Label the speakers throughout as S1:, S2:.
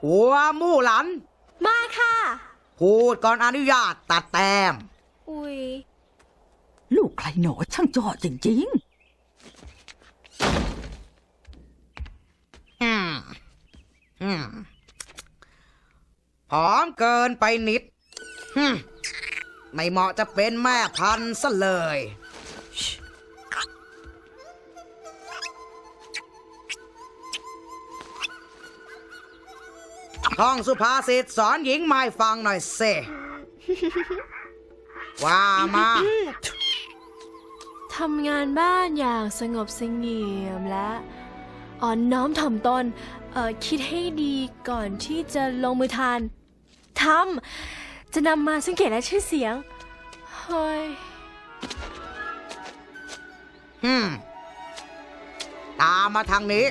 S1: หัวมู่หลัน
S2: มาค่ะ
S1: พูดก่อนอนุญาตตัดแต้ม
S2: อุ้ย
S3: ลูกใครหนอช่างจอดจริง
S1: ผอมเกินไปนิดไม่เหมาะจะเป็นแม่พันธุ์ซะเลยท่องสุภาษิตสอนหญิงไม่ฟังหน่อยเซว่ามา
S2: ทำงานบ้านอย่างสงบเสงี่ยมและอ่อนน้อมถ่อมตนคิดให้ดีก่อนที่จะลงมือทำจะนำมาซึ่งเกียรติและชื่อเสียงเฮ้ย
S1: ตามมาทางนี้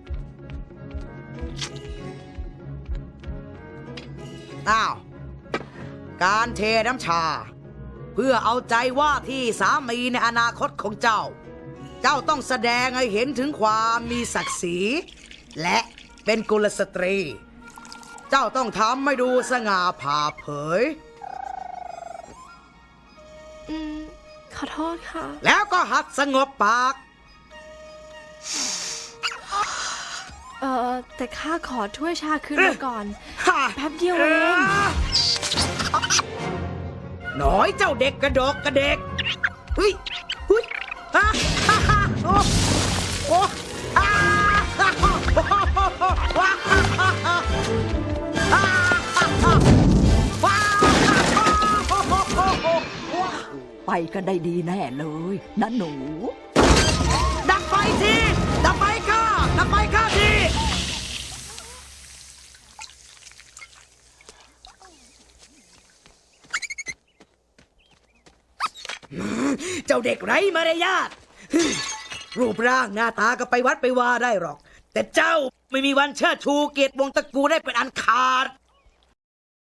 S1: อ้าวการเทน้ำชาเพื่อเอาใจว่าที่สามีในอนาคตของเจ้าต้องแสดงให้เห็นถึงความมีศักดิ์ศรีและเป็นกุลสตรีเจ้าต้องทำให้ดูสง่าผ่าเผย
S2: ขอโทษค่ะ
S1: แล้วก็หัดสงบปาก
S2: แต่ข้าขอถ้วยชาคืนมาก่อนแป๊บเดียวเอง
S1: หน่อยเจ้าเด็กกระดกกระเด็กเฮ้ยโอ้โอ้
S3: ไปกันได้ดีแน่เลยนะหนู
S1: ดับไฟทีดับไฟข้าทีเจ้าเด็กไร้มารยาทรูปร่างหน้าตาก็ไปวัดไปว่าได้หรอกแต่เจ้าไม่มีวันเชิดชูเกียรติวงศ์ตระกูลได้เป็นอันขาด